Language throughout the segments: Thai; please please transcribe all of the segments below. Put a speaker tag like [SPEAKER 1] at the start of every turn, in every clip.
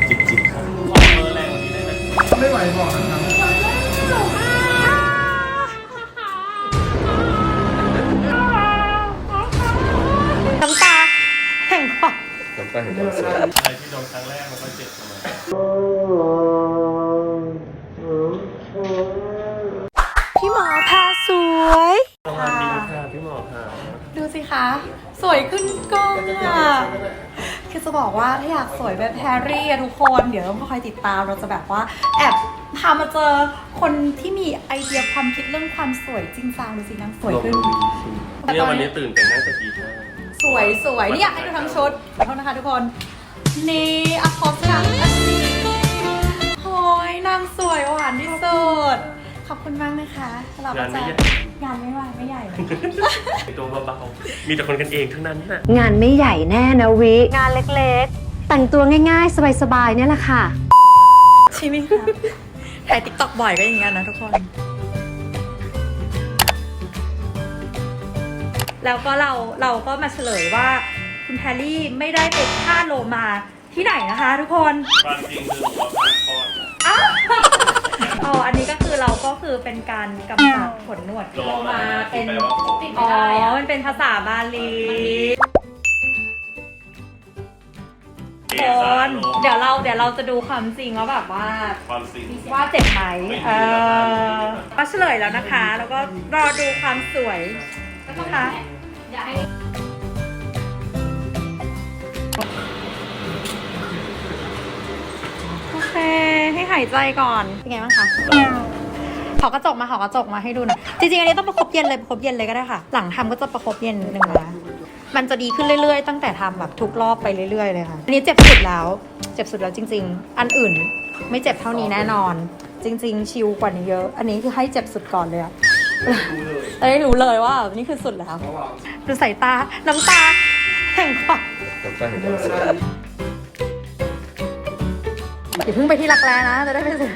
[SPEAKER 1] จิบครับขอเบอร์แรงกว่านี้ได้ไหม
[SPEAKER 2] ไม่ไหวบอกนะครับ
[SPEAKER 3] น้ำตาแห่งความ
[SPEAKER 1] น้ำตาแห่งความสุขอะไรที่โดนครั้งแรกมันก็เจ็บเสมอ
[SPEAKER 3] พี่หมอพาสวย
[SPEAKER 1] สวัสดีค่ะพี่หมอค่ะ
[SPEAKER 3] ดูสิคะ สวยขึ้นกล้องอ่ะคือจะบอกว่าถ้าอยากสวยแบบแฮร์รี่อะทุกคนเดี๋ยวต้องคอยติดตามเราจะแบบว่าแอบพามาเจอคนที่มีไอเดียความคิดเรื่องความสวยจริงจังดูสินางสวยขึ้น
[SPEAKER 1] เนี่ยวันนี้ตื่นแต่งหน้าจะดีมาก
[SPEAKER 3] สวยนี่อยากให้ดูทั้งชุดขอโทษนะคะทุกคนนี่อะคอสค่ะอันนี้โอ้ยนางสวยหวานที่สุดขอบคุณมากนะคะสำหรับงานไม่ใหญ่เลย
[SPEAKER 1] ตัวเบาๆมีแต่คนกันเองทั้งนั้นน่ะ
[SPEAKER 4] งานไม่ใหญ่แน่นะวิ
[SPEAKER 3] งานเล็ก
[SPEAKER 4] แต่งตัวง่ายๆ สบายๆเนี่ยแหละค่ะ
[SPEAKER 3] ๆใช่ไหมคะถ่ายติ๊กต็อกบ่อยก็อย่างเงี้ยนะทุกคนแล้วก็เราก็มาเฉลยว่าคุณแพรรี่ไม่ได้ไปฆ่าโลมาที่ไหนนะคะทุกคน
[SPEAKER 1] ความจริงคือหัวผ่านคอน
[SPEAKER 3] อ๋ออันนี้ก็คือเราก็คือเป็นการกำจัดขนหนวดโลมาเป็นอ๋อมันเป็นภาษาบาลีคนเดี๋ยวเราจะดูความจริงว่าแบบว่า
[SPEAKER 1] ความจริง
[SPEAKER 3] ว่าเจ็บไหมก็เฉลยแล้วนะคะ แล้วก็รอดูความสวยนะคะโอเคให้หายใจก่อนเป็นไงบ้างคะขอกระจกมาให้ดูหน่อยจริงๆอันนี้ต้องประคบเย็นเลยก็ได้ค่ะ หลังทำก็จะประคบเย็นหนึ่งนะมันจะดีขึ้นเรื่อยๆตั้งแต่ทำแบบทุกรอบไปเรื่อยๆเลยค่ะอันนี้เจ็บสุดแล้วจริงๆอันอื่นไม่เจ็บเท่านี้แน่นอนจริงๆชิลกว่านี้เยอะอันนี้คือให้เจ็บสุดก่อนเลยอะจะได้รู้เลยว่านี่คือสุดแล้วดูสายตาน้ำตาแห่งความ
[SPEAKER 1] น้ำตาแห่งความสุข
[SPEAKER 3] อย่าเพิ่งไปที่รักแร้นะจะได้ไปถึง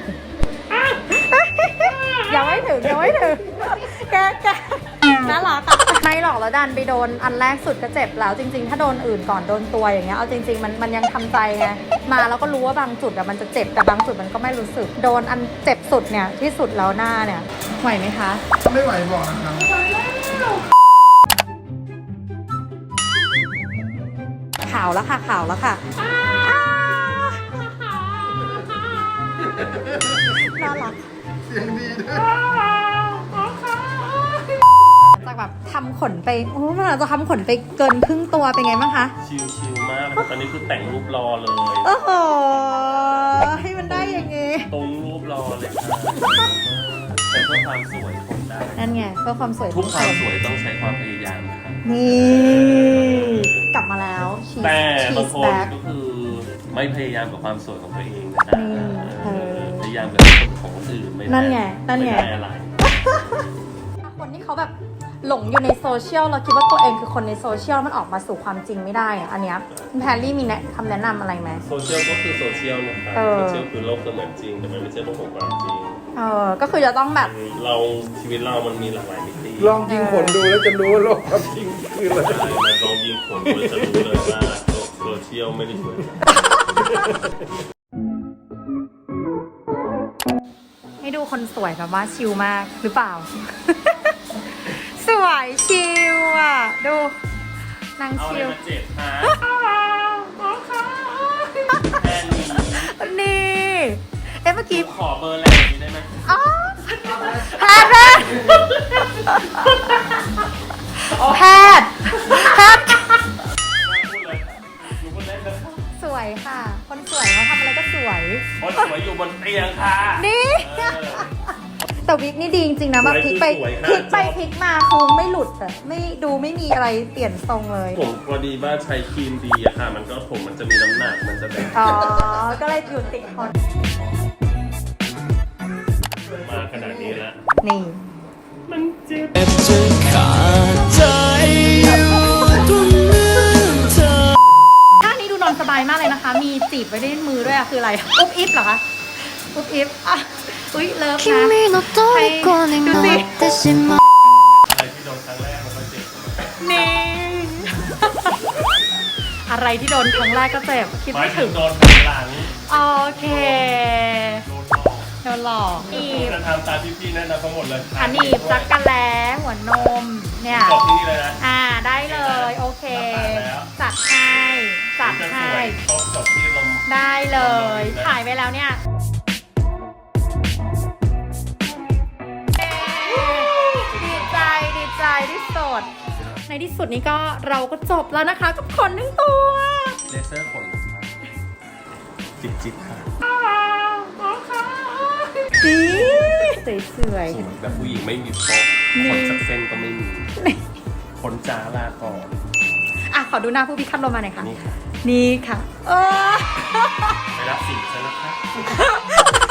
[SPEAKER 3] ยังไม่ถึงแกน่ารักอะไม่หรอกแล้วดันไปโดนอันแรกสุดก็เจ็บแล้วจริงๆถ้าโดนอื่นก่อนโดนตัวอย่างเงี้ยเอาจริงๆมันยังทำใจไงมาแล้วก็รู้ว่าบางจุดอะมันจะเจ็บแต่บางจุดมันก็ไม่รู้สึกโดนอันเจ็บสุดเนี่ยที่สุดแล้วหน้าเนี่ยไหวไหมคะ
[SPEAKER 2] ไม่ไหวบอกนะครับ
[SPEAKER 3] ขาวแล้วค่ะน่ารัก
[SPEAKER 2] เสียงดีด้วย
[SPEAKER 3] จากแบบทำขนไปมันอาจจะทำขนไปเกินครึ่งตัวเป็นไงบ้างคะ
[SPEAKER 1] ชิลๆมากเลยตอนนี้คือแต่งรูปรอเลย
[SPEAKER 3] โอ้โหให้มันได้อย่างงี้
[SPEAKER 1] ตรงรูปรอเลยค่ะแต่เพื่อความสวยผมได้
[SPEAKER 3] นั่นไงเพื่อความสวย
[SPEAKER 1] ทุกความสวยต้องใช้ความพยายามค่ะ
[SPEAKER 3] นี่กลับมาแล้วชี
[SPEAKER 1] แต่
[SPEAKER 3] ส
[SPEAKER 1] บางคน
[SPEAKER 3] แบ็ค
[SPEAKER 1] ก็คือไม่พยายามกับความสวยของตัวเองนะคะ พยายามกับของคนอื่นไม่ได้
[SPEAKER 3] นั่นไง
[SPEAKER 1] ไม่ได้อะไร
[SPEAKER 3] คนที่เขาแบบหลงอยู่ในโซเชียลเราคิดว่าตัวเองคือคนในโซเชียลมันออกมาสู่ความจริงไม่ได้อะอันเนี้ยคุณแพรรี่มีคำแนะนำอะไรไหม
[SPEAKER 1] โซเชียลก็คือโซเชียลนะคะ
[SPEAKER 3] เออ
[SPEAKER 1] โซเชียลคือโลกเสมือนจริงแต่มันไม่ใช่โลกของความจริง
[SPEAKER 3] ก็คือจะต้องแบบ
[SPEAKER 1] เราชีวิตเรามันมีหลากหลายมิติ
[SPEAKER 2] ลองยิงผลดูแล้วจะรู้ว่าโลกความจริงคืออะไร
[SPEAKER 1] มันลองยิงผลคุณจะรู้เลยว่าโซเชียลไม่ได้ช่วย
[SPEAKER 3] ให้ดูคนสวยแบบว่าชิลมากหรือเปล่า สวยชิลอ่ะดูนาง
[SPEAKER 1] เอาอะไร
[SPEAKER 3] ชิล
[SPEAKER 1] มาเจ็บฮะแค่นี้
[SPEAKER 3] นี่เมื่อกี้
[SPEAKER 1] ขอเบอร์แรงนี้ได้ไหม
[SPEAKER 3] อ๋อแพทย์
[SPEAKER 1] พูดเลยดูคนเล่นนะ
[SPEAKER 3] สวยค่ะ คนสวยเขาทำอะไรก็สวย
[SPEAKER 1] คนสวยอยู่บนเตียงค่ะ
[SPEAKER 3] นี่
[SPEAKER 1] เออ
[SPEAKER 3] แต่วิกนี่ดีจริงๆนะแบบพลิกไป
[SPEAKER 1] สวยค่ะ
[SPEAKER 3] พลิกไปพลิกมาคือไม่หลุดอะไม่มีอะไรเปลี่ยนทรงเลย
[SPEAKER 1] ผมพอดีว่าใช้ครีมดีอะค่ะ มันก็ผมมันจะมีน้ำหนักมันจะแบบ
[SPEAKER 3] อ๋อ ก็เลยอยู่ติดคน
[SPEAKER 1] มาขนาดนี้แล้ว
[SPEAKER 3] นี่
[SPEAKER 1] มันเจ็บ
[SPEAKER 5] จะขาดใจอยู่ตรงนั้นเธอ
[SPEAKER 3] ท่านี้ดูนอนสบายมากเลยนะคะ มีจีบไว้ในมือด้วยอะคืออะไร อุ๊บอิฟเหรอคะ อุ๊บอิฟอ่ะอุ๊ยเลิฟนะ
[SPEAKER 5] 君の虜になってしまう
[SPEAKER 1] อะไรที่โดนครั้งแรกมันก็เจ็บ
[SPEAKER 3] นี่ อะไรที่โดนครั้งแรกก็เจ็บ คิด
[SPEAKER 1] หมาย
[SPEAKER 3] ไม่
[SPEAKER 1] ถึ
[SPEAKER 3] ถึ
[SPEAKER 1] ง
[SPEAKER 3] ง
[SPEAKER 1] โดนข้างหลัง
[SPEAKER 3] โอเคโดนหลอกหนีบ
[SPEAKER 1] จะทำตามที่พี่แนะนำทั้งหมดเลย
[SPEAKER 3] หนีบจักรแล้หัวนมเนี่ย
[SPEAKER 1] จบที่นี่เลยนะ
[SPEAKER 3] ได้เลยโอเค จัดให้ จัดให้
[SPEAKER 1] ต้องจบที่ลม
[SPEAKER 3] ได้เลยถ่ายไปแล้วเนี่ยดีใจที่สุดในที่สุดนี้ก็เราก็จบแล้วนะคะกับขนทั้งตัว
[SPEAKER 1] เลเซอร์ขนจิบค่ะ
[SPEAKER 3] ดีสวย
[SPEAKER 1] สวยแบบผู้หญิงไม่มีโป๊ะขนสักเส้นก็ไม่มีขนจ้าลาก่อน
[SPEAKER 3] ขอดูหน้าผู้พิฆาตโรมาหน่อยค่ะ
[SPEAKER 1] นี่ค่ะ
[SPEAKER 3] นี่ค่ะ
[SPEAKER 1] ไปรับสินซะนะคะ